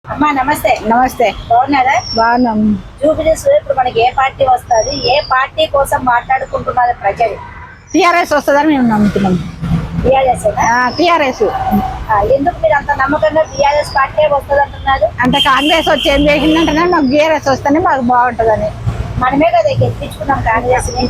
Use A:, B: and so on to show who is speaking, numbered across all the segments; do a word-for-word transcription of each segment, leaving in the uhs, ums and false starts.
A: అమ్మా నమస్తే.
B: నమస్తే.
A: బాగున్నారా?
B: బాగున్నాం.
A: జూబిలీస్ ఇప్పుడు మనకి ఏ పార్టీ వస్తుంది, ఏ పార్టీ కోసం మాట్లాడుకుంటున్నారు ప్రజలు?
B: టిఆర్ఎస్ వస్తుందని మేము నమ్ముతున్నాం.
A: టీఆర్ఎస్
B: టిఆర్ఎస్
A: ఎందుకు మీరు అంత నమ్మకంగా టీఆర్ఎస్ పార్టీ వస్తుంది అంటున్నారు?
B: అంటే కాంగ్రెస్ వచ్చి ఏం చేసిందంటే మాకు టీఆర్ఎస్ వస్తేనే మాకు బాగుంటుందని.
A: మనమే కదా గెలిపించుకున్నాం కాంగ్రెస్ ని.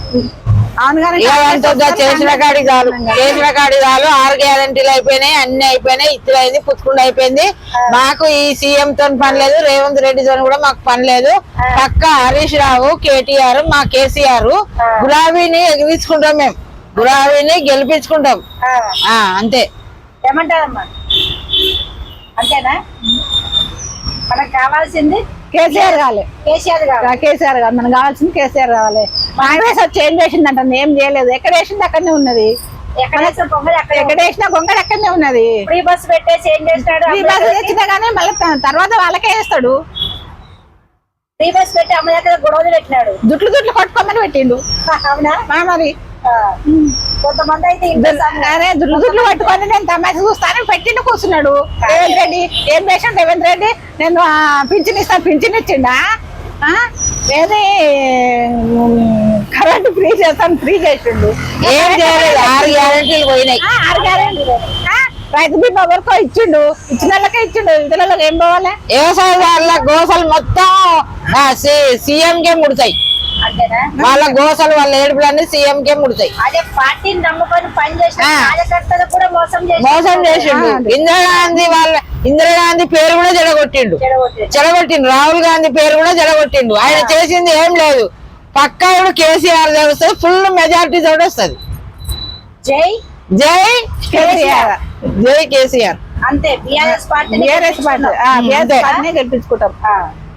C: చేసిన కాడి చాలు చేసిన కాడి చాలు ఆరు గ్యారంటీలు అయిపోయినాయి, అన్ని అయిపోయినాయి, ఇత్తులు అయింది, పుచ్చుకుండా అయిపోయింది. మాకు ఈ సీఎం తో పని లేదు, రేవంత్ రెడ్డి తో కూడా మాకు పని లేదు. పక్క హరీష్ రావు, కేటీఆర్, మా కేసీఆర్ గులాబీని ఎగిరించుకుంటాం, మేము గులాబీని గెలిపించుకుంటాం. అంతే.
A: ఏమంటారమ్మా? అంతేనా? మనకు కావాల్సింది
B: కేసీఆర్ కావాలి.
A: కేసీఆర్ కావాలి.
B: కేసీఆర్ కావాలి. మనకు కావాల్సింది కేసీఆర్ కావాలి. కాంగ్రెస్ వచ్చి ఏం చేసిందంట? ఏం చేయలేదు. ఎక్కడ వేసింది అక్కడనే ఉన్నది.
A: ఎక్కడ
B: ఎక్కడ వేసినా గొంగళి అక్కడనే ఉన్నది.
A: ఫ్రీ బస్ పెట్టేసి ఏం చేస్తాడు?
B: ఫ్రీ బస్ తెచ్చినా గానీ మళ్ళీ తర్వాత వాళ్ళకే వేస్తాడు.
A: ఫ్రీ బస్ పెట్టి అమ్మ దగ్గర గొడవలు పెట్టినాడు.
B: జుట్లు జుట్లు కొట్టుకోమని పెట్టిండు.
A: అవునా?
B: మరి
A: కొంతమంది అయితే
B: అరే జుట్లు జుట్లు పట్టుకొని నేను తమాష చూస్తానని పెట్టిండు కూర్చున్నాడు. రేవంత్ రెడ్డి ఏం చేసాడు? రేవంత్ రెడ్డి నేను పింఛన్ ఇస్తాను, పింఛన్ ఇచ్చిండా? ఏది కరెంట్ ఫ్రీ చేస్తాను, ఫ్రీ చేసిండు.
C: ఏం చేయలేదు. ఆరు గ్యారంటీలు పోయినాయి.
B: ఆరు గ్యారెంటీలు. రైతు బీమా వరకు ఇచ్చిండు, ఇచ్చిన వాళ్ళకే ఇచ్చిండు, ఇతరులకు ఏం పోవాలి?
C: వ్యవసాయదారుల గోసలు మొత్తం సీఎం కే ముడతాయి. వాళ్ళ గోసలు వాళ్ళ ఏడుపులన్నీ సీఎం కే ముడతాయి.
A: అదే పార్టీని నమ్ముకొని పని చేసిన కార్యకర్తలు కూడా మోసం
C: మోసం చేసిండు. ఇందిరాగాంధీ వాళ్ళ ఇందిరాగాంధీ పేరు కూడా జడగొట్టిండు చెడగొట్టిండు రాహుల్ గాంధీ పేరు కూడా జడగొట్టిండు. ఆయన చేసింది ఏం లేదు. పక్కా ఇప్పుడు కేసీఆర్ వస్తుంది, ఫుల్ మెజారిటీ తోటి వస్తుంది.
A: జై
C: జై కేసీఆర్, జై కేసీఆర్.
A: అంతే. బిఆర్ఎస్ పార్టీ
B: బిఆర్ఎస్ పార్టీ గెలిపించుకుంటాం.